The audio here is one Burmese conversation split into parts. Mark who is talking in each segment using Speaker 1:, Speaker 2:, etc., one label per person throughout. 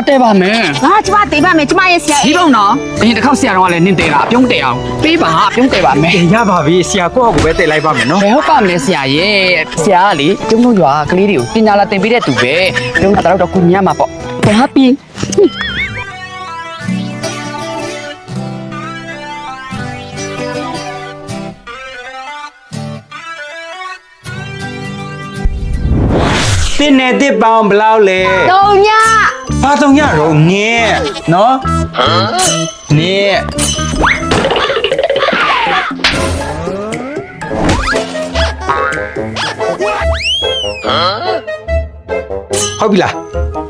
Speaker 1: တဲပါမယ်
Speaker 2: ငါကျမတေးပါမယ်ကျမရဲ့ဆရာ
Speaker 1: ဒီပုံနော်အရင်တစ်ခေါက်ဆရာတော်ကလည်းနင်းတဲတာပြုံးတဲအောင်ပေးပါပြုံးတဲပါမယ်
Speaker 3: ရပါပြီဆရာကိုယ့်အကူပဲတက်လိုက်ပါမယ်နော်
Speaker 1: ဘယ်ဟုတ်ပါမလဲဆရာရဲ့ဆရာကလေကျုံတို့ရွာကလေးတွေကိုပညာလာသင်ပေးတဲ့သူပဲပြုံးတာတော့ကုညမှာပေါ့ဘာပြီး
Speaker 3: တင်းနဲ့တစ်ပေါင်းဘယ်လောက်လဲ
Speaker 2: တုံည
Speaker 3: ဘာတော့ညတော့ငဲနော်နေဟုတ်ပြီလား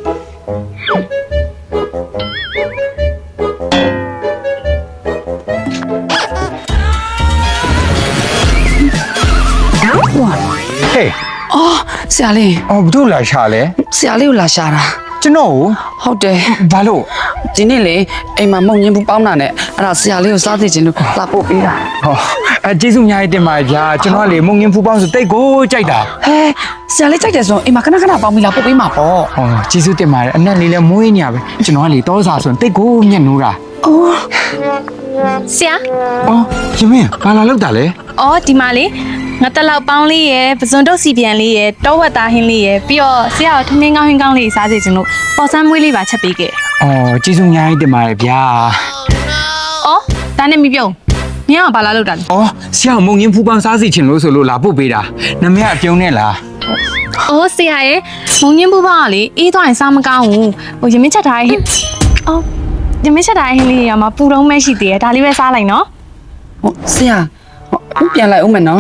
Speaker 3: ဟေး
Speaker 1: အော်ဆရာလေး
Speaker 3: အော်ဘယ်လိုလာရှာလဲ
Speaker 1: ဆရာလေးကိုလာရှာတာ
Speaker 3: ကျွန်တော်
Speaker 1: ဟုတ်တယ်
Speaker 3: ဘာလို့
Speaker 1: ဒီနေ့လေအိမ်မှာမုံညင်းဘူးပေါင်းတာနဲ့အဲ့ဒါဆရာလေးကိုစားသိချင်လို့လာပို့ပေးတာ
Speaker 3: ဟောကျေးဇူးအများကြီးတင်ပါဗျာကျွန်တော်ကလေမုံငင်းဖူးပေါင်းဆိုတိတ်ကိုကြိုက်တာ
Speaker 1: ဟဲဆရာလေးကြိုက်တယ်ဆိုရင်အိမ်မှာခဏခဏပေါင်းပြီးလာပို့ပေးမှာပေါ့
Speaker 3: ဟောကျေးဇူးတင်ပါတယ်အနက်လေးလည်းမွေးနေရပဲကျွန်တော်ကလေတောစာဆိုရင်တိတ်ကိုညက်နိုးတာ
Speaker 1: အော်
Speaker 4: ဆရာ
Speaker 3: အော်ရှင်မင်းဘာလာလောက်တာလဲ
Speaker 4: အော်ဒီမှာလေငါတက်လောက်ပေါင်းလေးရယ်ပဇွန်တုတ်စီပြန်လေးရယ်တောဝက်သားဟင်းလေးရယ်ပြီးတော့ဆရာကထမင်းကောင်းဟင်းကောင်းလေးစားစေချင်လို့ပေါ်ဆန်းမွေးလေးပါချက်ပေးခဲ့
Speaker 3: အော်ကျေးဇူးအများကြီးတင်ပါတယ်ဗျာ
Speaker 4: အော်ဒါနဲ့မပြုံးမင်းကဘာလာလောက်တာလဲ
Speaker 3: အော်ဆရာမုံငင်းဖူးပေါင်းစားစီချင်လို့ဆိုလို့လာပို့ပေးတာနမရအပြုံးနဲ့လား
Speaker 4: အော်ဆရာရဲ့မုံညင်းပူပေါင်းကလေအေးသွားရင်စားမကောင်းဘူးဟိုရမင်းချက်ထားရဲ့ဟင်းအော်ရမင်းချက်ထားရဲ့ဟင်းလေးရမှာပူတော့မဲ့ရှိသေးတယ်ဒါလေးပဲစားလိုက်နော်
Speaker 1: ဟိုဆရာဟိုပြန်လိုက်ဦးမယ်နော်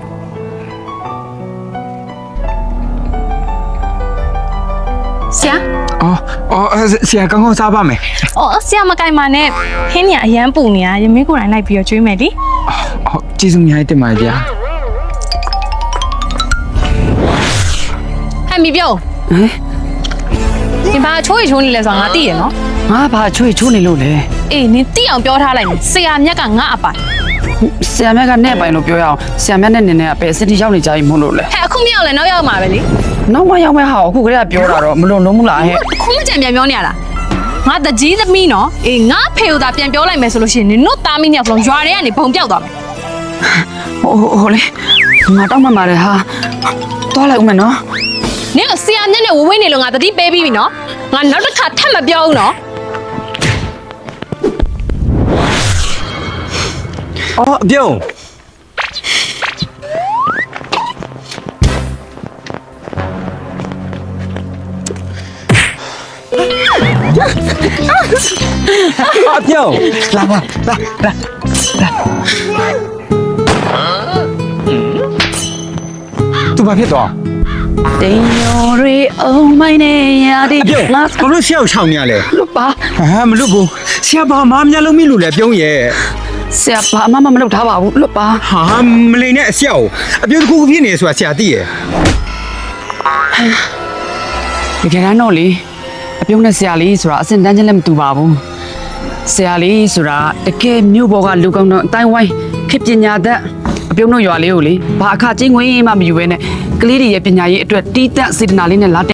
Speaker 4: ဆရာ
Speaker 3: အော်ဆရာကောင်းကောင်းစားပါမယ်
Speaker 4: အော်ဆရာမကင်ပါနဲ့ဟင်းညာအရန်ပူနေတာရမင်းကိုယ်တိုင်လိုက်ပြီးတော့ကျွေးမယ်လေ
Speaker 3: အော်ကျေးဇူးအများကြီးတင်ပါတယ်ဗျာ
Speaker 4: ဟဲ့မပြုံး
Speaker 1: ဟမ်
Speaker 4: ဒီဘာချိုးရီချိုးနေလဲဆိုတာငါသိရနော်
Speaker 1: ငါဘာချွေချိုးနေလို့လဲ
Speaker 4: အေးနင်တိအောင်ပြောထားလိုက်မယ်ဆရာမြတ်ကငါအပိုင်
Speaker 1: ဆရာမြတ်ကနဲ့ပိုင်လို့ပြောရအောင်ဆရာမြတ်နဲ့နင်းနဲ့ပဲစတီရောက်နေကြပြီမို့လို့လဲ
Speaker 4: ဟဲ့အခုမရောက်လဲနောက်ရောက်မှာပဲလေ
Speaker 1: နောက်မှရောက်မဲ့ဟာအခုကလေးကပြောတာတော့မလွန်လုံးဘူးလားဟဲ့
Speaker 4: အခုမကြံပြန်ပြောနေရလားငါတကြီးသမီးနော်အေးငါဖေကိုသာပြန်ပြောလိုက်မယ်ဆိုလို့ရှိရင်နင်တို့သားမီးနှစ်ယောက်လုံးရွာထဲကနေဘုံပြောက်သွားမယ်
Speaker 1: ဟိုလေငါတောက်မှမှာလေဟာသွားလိုက်ဦးမယ်နော်
Speaker 4: နင်ကဆရာမြတ်နဲ့ဝဝေးနေလို့ငါတတိပေးပြီးပြီနော်ငါနောက်တစ်ခါထပ်မပြောဘူးနော်
Speaker 3: အော်အပြုံးအပြုံးလာပါလာသူဘာဖြစ်သွား
Speaker 1: တင်ရော်ရီအုံမိုင်းနေရတဲ့
Speaker 3: အပြုံး
Speaker 1: ငါ
Speaker 3: ဘာလို့ဆရာကိုချောင်းနေရလဲ
Speaker 1: လို့ပါ
Speaker 3: ဟာမလို့ဘူးဆရာဘာမှမများလို့မလို့လဲပြုံးရဲ့
Speaker 1: ဆရာဘာမှမလုပ်ထားပါဘူးလို့ပါ
Speaker 3: ဟာမလိန်နဲ့အဆရာကိုအပြုံးတစ်ခုဖြစ်နေဆိုတာဆရာသိရဲ့
Speaker 1: တကယ်တမ်းတော့လေအပြုံးနဲ့ဆရာလေးဆိုတာအစင်တန်းချင်းလည်းမတူပါဘူးဆရာလေးဆိုတာတကယ်မြို့ပေါ်ကလူကောင်းတော့အတိုင်းဝိုင်းခေပညာတတ်အပြုံးတို့ရွာလေးကိုလေဘာအခချင်းငွေမှမယူဘဲနဲ့ကလေးတွေရဲ့ပညာရေးအတွက်တီးတက်စေတနာလေးနဲ့လာ